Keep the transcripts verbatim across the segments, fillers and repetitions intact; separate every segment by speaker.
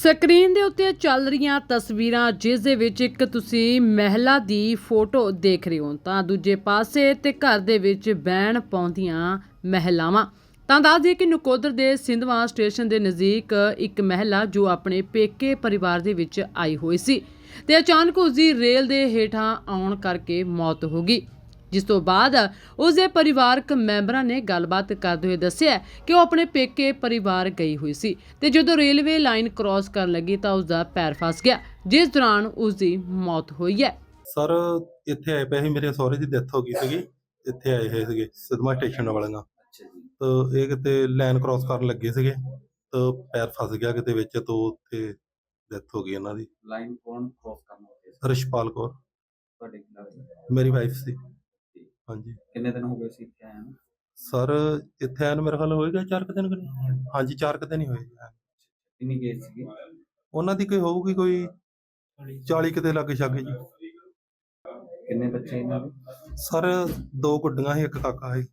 Speaker 1: Screen ਦੇ ਉੱਤੇ ਚੱਲ ਰਹੀਆਂ ਤਸਵੀਰਾਂ ਜਿਸ ਦੇ ਵਿੱਚ ਇੱਕ ਤੁਸੀਂ ਮਹਿਲਾ ਦੀ ਫੋਟੋ ਦੇਖ ਰਹੇ ਹੋ ਤਾਂ ਦੂਜੇ ਪਾਸੇ ਤੇ ਘਰ ਦੇ ਵਿੱਚ ਬੈਣ ਪਾਉਂਦੀਆਂ ਮਹਿਲਾਵਾਂ। ਤਾਂ ਦੱਸ ਦਈਏ ਕਿ ਨਕੋਦਰ ਦੇ ਸਿੰਧਵਾਂ ਸਟੇਸ਼ਨ ਦੇ ਨਜ਼ਦੀਕ ਇੱਕ ਮਹਿਲਾ ਜੋ ਆਪਣੇ ਪੇਕੇ ਪਰਿਵਾਰ ਦੇ ਵਿੱਚ ਆਈ ਹੋਈ ਸੀ ਤੇ ਅਚਾਨਕ ਉਸ ਦੀ ਰੇਲ ਦੇ ਹੇਠਾਂ ਆਉਣ ਕਰਕੇ ਮੌਤ ਹੋ ਗਈ, ਜਿਸ ਤੋਂ ਬਾਅਦ ਉਸ ਦੇ ਪਰਿਵਾਰਕ ਮੈਂਬਰਾਂ ਨੇ ਗੱਲਬਾਤ ਕਰਦੇ ਹੋਏ ਦੱਸਿਆ ਕਿ ਉਹ ਆਪਣੇ ਪੇਕੇ ਪਰਿਵਾਰ ਗਈ ਹੋਈ ਸੀ ਤੇ ਜਦੋਂ ਰੇਲਵੇ ਲਾਈਨ ਕ੍ਰਾਸ ਕਰਨ ਲੱਗੀ ਤਾਂ ਉਸ ਦਾ ਪੈਰ ਫਸ ਗਿਆ, ਜਿਸ ਦੌਰਾਨ ਉਸ ਦੀ ਮੌਤ ਹੋਈ ਹੈ।
Speaker 2: ਸਰ ਇੱਥੇ ਆਏ ਪਏ ਸੀ, ਮੇਰੇ ਸਹੁਰੇ ਦੀ ਡੈਥ ਹੋ ਗਈ ਸੀਗੀ। ਇੱਥੇ ਆਏ ਹੋਏ ਸੀਗੇ ਸਿਧਮਾ ਸਟੇਸ਼ਨ ਵਾਲਿਆਂ। ਤਾਂ ਇਹ ਕਿਤੇ ਲਾਈਨ ਕ੍ਰਾਸ ਕਰਨ ਲੱਗੇ ਸੀਗੇ ਤਾਂ ਪੈਰ ਫਸ ਗਿਆ ਕਿਤੇ ਵਿੱਚ, ਤਾਂ ਉੱਥੇ ਡੈਥ ਹੋ ਗਈ ਇਹਨਾਂ ਦੀ।
Speaker 3: ਲਾਈਨ ਕੌਣ ਕ੍ਰਾਸ ਕਰਨਾ ਹੋਵੇ?
Speaker 2: ਰਿਸ਼ਪਾਲ ਕੌਰ
Speaker 3: ਤੁਹਾਡੇ ਕੀ ਲੱਗਦਾ?
Speaker 2: ਮੇਰੀ ਵਾਈਫ ਸੀ। ਹਾਂਜੀ।
Speaker 3: ਕਿੰਨੇ ਦਿਨ ਹੋ ਗਏ ਸੀ ਇੱਥੇ ਆਏ ਨੂੰ?
Speaker 2: ਸਰ ਇੱਥੇ ਆਏ ਨੂੰ ਮੇਰੇ ਖਿਆਲ ਹੋਏਗਾ ਚਾਰ ਕੁ ਦਿਨ ਕੁ ਨਹੀਂ। ਹਾਂਜੀ ਚਾਰ ਕੁ ਦਿਨ ਹੀ ਹੋਏ।
Speaker 3: ਕਿੰਨੀ ਕੇਸ ਸੀਗੀ
Speaker 2: ਉਹਨਾਂ ਦੀ ਕੋਈ ਹੋਊਗੀ ਕੋਈ ਚਾਲੀ ਕਿਤੇ ਲੱਗ ਛਾਗੇ ਜੀ।
Speaker 3: ਕਿੰਨੇ ਬੱਚੇ ਇਹਨਾਂ ਦੇ?
Speaker 2: ਸਰ ਦੋ ਗੁੱਡੀਆਂ ਸੀ, ਇੱਕ ਕਾਕਾ ਸੀ।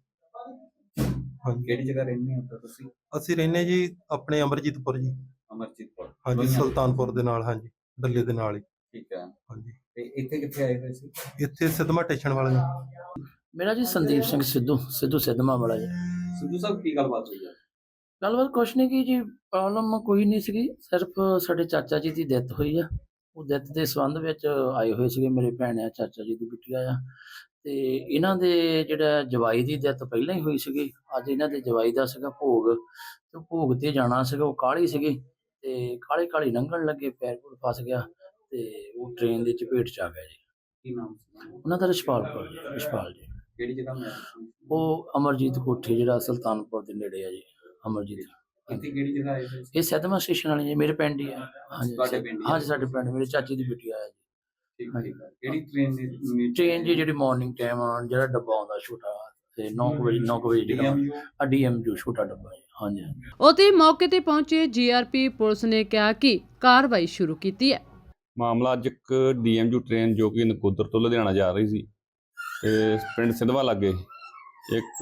Speaker 2: ਹਾਂਜੀ।
Speaker 3: ਕਿਹੜੀ ਜਗ੍ਹਾ ਰਹਿੰਦੇ ਹੋ ਤਾਂ ਤੁਸੀਂ?
Speaker 2: ਅਸੀਂ ਰਹਿੰਦੇ ਜੀ ਆਪਣੇ ਅਮਰਜੀਤਪੁਰ ਜੀ।
Speaker 3: ਅਮਰਜੀਤਪੁਰ?
Speaker 2: ਹਾਂਜੀ, ਸੁਲਤਾਨਪੁਰ ਦੇ ਨਾਲ। ਹਾਂਜੀ, ਡੱਲੇ ਦੇ ਨਾਲ ਹੀ।
Speaker 3: ਠੀਕ ਹੈ।
Speaker 2: ਹਾਂਜੀ।
Speaker 3: ਤੇ ਇੱਥੇ ਕਿੱਥੇ ਆਏ ਹੋਏ ਸੀ?
Speaker 2: ਇੱਥੇ ਸਿਧਮਾ ਸਟੇਸ਼ਨ ਵਾਲੇ।
Speaker 4: ਮੇਰਾ ਜੀ ਸੰਦੀਪ ਸਿੰਘ ਸਿੱਧੂ ਸਿੱਧੂ ਸਿੱਧਮਾ ਵਾਲਾ ਜੀ।
Speaker 3: ਸਿੱਧੂ ਸਾਹਿਬ ਕੀ ਗੱਲਬਾਤ ਹੋਈ ਹੈ?
Speaker 4: ਗੱਲਬਾਤ ਕੁਛ ਨਹੀਂ ਕੀ ਜੀ, ਪ੍ਰੋਬਲਮ ਕੋਈ ਨਹੀਂ ਸੀਗੀ, ਸਿਰਫ ਸਾਡੇ ਚਾਚਾ ਜੀ ਦੀ ਡੈਥ ਹੋਈ ਆ। ਉਹ ਡੈਥ ਦੇ ਸੰਬੰਧ ਵਿੱਚ ਆਏ ਹੋਏ ਸੀਗੇ, ਮੇਰੇ ਭੈਣ ਆ, ਚਾਚਾ ਜੀ ਦੀ ਬਿਟੀਆ ਆ, ਤੇ ਇਹਨਾਂ ਦੇ ਜਿਹੜਾ ਜਵਾਈ ਦੀ ਡੈਥ ਪਹਿਲਾਂ ਹੀ ਹੋਈ ਸੀਗੀ। ਅੱਜ ਇਹਨਾਂ ਦੇ ਜਵਾਈ ਦਾ ਸੀਗਾ ਭੋਗ, ਤੇ ਭੋਗ ਤੇ ਜਾਣਾ ਸੀਗਾ। ਉਹ ਕਾਹਲੀ ਸੀਗੀ ਤੇ ਕਾਹਲੀ ਕਾਹਲੀ ਲੰਘਣ ਲੱਗੇ, ਪੈਰ ਪੂਰ ਫਸ ਗਿਆ ਤੇ ਉਹ ਟ੍ਰੇਨ ਦੇ ਚਪੇਟ ਚ ਆ ਗਿਆ ਜੀ।
Speaker 3: ਕੀ ਨਾਮ ਸੀ
Speaker 4: ਉਹਨਾਂ ਦਾ ਰਿਸ਼ਪਾਲ ਕੌਰ ਜੀ। ਰਿਸ਼ਪਾਲ ਜੀ।
Speaker 3: ਕਿਹੜੀ ਜਗ੍ਹਾ ਮੈਂ?
Speaker 4: ਉਹ ਅਮਰਜੀਤ ਕੋਠੀ ਜਿਹੜਾ ਸੁਲਤਾਨਪੁਰ ਦੇ ਨੇੜੇ ਆ ਜੀ। ਅਮਰਜੀਤ
Speaker 3: ਇੱਥੇ ਕਿਹੜੀ ਜਗ੍ਹਾ ਆਏ ਹੋਏ ਸੀ?
Speaker 4: ਇਹ ਸਿਧਮਾ ਸਟੇਸ਼ਨ ਵਾਲੀ ਜੀ, ਮੇਰੇ ਪਿੰਡ ਹੀ ਆ। ਹਾਂਜੀ
Speaker 3: ਤੁਹਾਡੇ ਪਿੰਡ ਹੀ ਆ?
Speaker 4: ਹਾਂਜੀ ਸਾਡੇ ਪਿੰਡ, ਮੇਰੇ ਚਾਚੀ ਦੀ ਬੇਟੀ ਆ ਜੀ।
Speaker 3: ਠੀਕ ਠੀਕ ਹੈ। ਕਿਹੜੀ ਟ੍ਰੇਨ ਦੀ?
Speaker 4: ਟ੍ਰੇਨ ਜੀ ਜਿਹੜੀ ਮਾਰਨਿੰਗ ਟਾਈਮ ਜਿਹੜਾ ਡੱਬਾ ਆਉਂਦਾ ਛੋਟਾ, ਤੇ ਨੌ ਕੁ ਵਜੇ ਨੌ ਕੁ ਵਜੇ ਜਿਹੜਾ ਆ ਡੀ ਐਮ ਜੋ ਛੋਟਾ ਡੱਬਾ ਜੀ। ਹਾਂਜੀ ਹਾਂਜੀ।
Speaker 1: ਉੱਥੇ ਮੌਕੇ ਤੇ ਪਹੁੰਚੇ ਜੀ ਆਰ ਪੀ ਪੁਲਿਸ ਨੇ ਕਿਹਾ ਕਿ ਕਾਰਵਾਈ ਸ਼ੁਰੂ ਕੀਤੀ ਹੈ।
Speaker 5: ਮਾਮਲਾ ਅੱਜ ਇੱਕ ਡੀ ਐਮ ਯੂ ਟ੍ਰੇਨ ਜੋ ਕਿ ਨਕੋਦਰ ਤੋਂ ਲੁਧਿਆਣਾ ਜਾ ਰਹੀ ਸੀ ਤੇ ਪਿੰਡ ਸਿੰਧਵਾ ਲਾਗੇ ਇੱਕ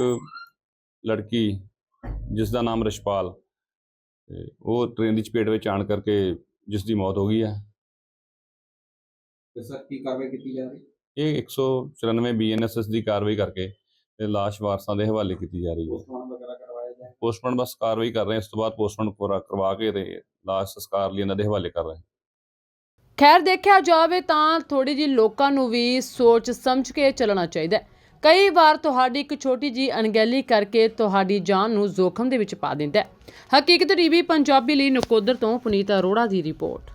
Speaker 5: ਲੜਕੀ ਜਿਸ ਦਾ ਨਾਮ ਰਿਸ਼ਪਾਲ, ਤੇ ਉਹ ਟ੍ਰੇਨ ਦੀ ਚਪੇਟ ਵਿੱਚ ਆਣ ਕਰਕੇ ਜਿਸ ਦੀ ਮੌਤ ਹੋ ਗਈ ਹੈ।
Speaker 3: ਤੇ ਸਰ ਕੀ ਕਾਰਵਾਈ ਕੀਤੀ ਜਾ ਰਹੀ?
Speaker 5: ਇਹ ਇੱਕ ਸੌ ਚੁਰਾਨਵੇਂ ਬੀ ਐਨ ਐਸ ਐਸ ਦੀ ਕਾਰਵਾਈ ਕਰਕੇ ਤੇ ਲਾਸ਼ ਵਾਰਸਾਂ ਦੇ ਹਵਾਲੇ ਕੀਤੀ ਜਾ ਰਹੀ ਹੈ।
Speaker 3: ਪੋਸਟਮਾਰਟਮ ਵਗੈਰਾ ਕਰਵਾਇਆ ਜਾਏ?
Speaker 5: ਪੋਸਟਮਾਰਟਮ ਬਸ ਕਾਰਵਾਈ ਕਰ ਰਹੇ, ਇਸ ਤੋਂ ਬਾਅਦ ਪੋਸਟਮਾਰਟਮ ਪੂਰਾ ਕਰਵਾ ਕੇ ਤੇ ਲਾਸ਼ ਸੰਸਕਾਰ ਲਈ ਇਹਨਾਂ ਦੇ ਹਵਾਲੇ ਕਰ ਰਹੇ।
Speaker 1: ਖੈਰ ਦੇਖਿਆ ਜਾਵੇ ਤਾਂ ਥੋੜੀ ਜਿਹੀ ਲੋਕਾਂ ਨੂੰ ਵੀ ਸੋਚ ਸਮਝ ਕੇ ਚੱਲਣਾ ਚਾਹੀਦਾ ਹੈ। ਕਈ ਵਾਰ ਤੁਹਾਡੀ ਇੱਕ ਛੋਟੀ ਜਿਹੀ ਅਣਗਹਿਲੀ ਕਰਕੇ ਤੁਹਾਡੀ ਜਾਨ ਨੂੰ ਜ਼ੋਖਮ ਦੇ ਵਿੱਚ ਪਾ ਦਿੰਦਾ ਹੈ। ਹਕੀਕਤ ਟੀਵੀ ਪੰਜਾਬੀ ਲਈ ਨਕੋਦਰ ਤੋਂ ਪੁਨੀਤ ਅਰੋੜਾ ਦੀ ਰਿਪੋਰਟ।